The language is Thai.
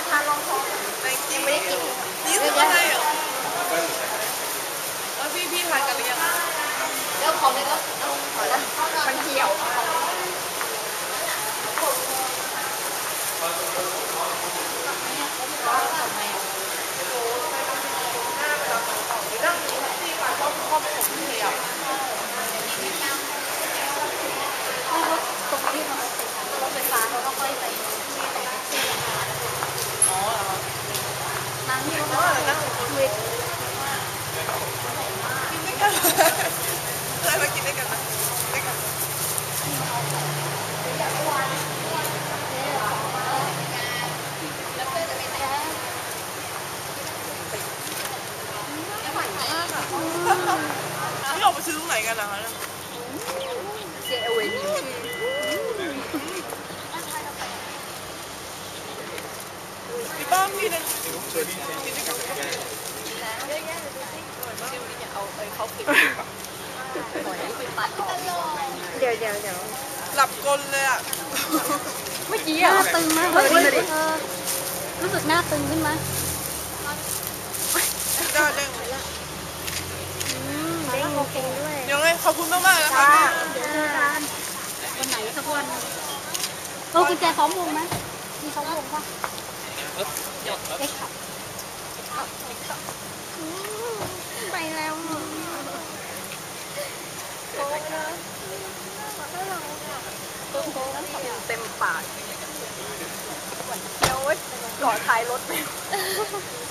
ทานรองท้องยังไม่ได้กินนี่คืออะไรอ่ะแล้วพี่ทานกันหรือยังเดี๋ยวของเลยก็ขอนะมันเหี่ยวตรงที่มันรถไฟฟ้าเขาต้องค่อยไปอ๋อเหรอนั่งที่รถไฟฟ้าคุยกินด้วยกันอะไรมากินด้วยกันนะด้วยกันนี่ออกไปซื้อตรงไหนกันนะคะเจเอเวนิวพี่ป้อมพี่นึงเดี๋ยวหลับกลเลยอ่ะเมื่อกี้อะหน้าตึงมากเลยรู้สึกหน้าตึงขึ้นไหมได้เด้งเด้งโอเคด้วยเดี๋ยวไงขอบคุณมากๆนะคะวันไหนสักวันกุญแจซ้อมวงไหมมีซ้อมวงป่ะเอ็กซ์ไปแล้วเต็มปากเดี๋ยวก่อท้ายรถไป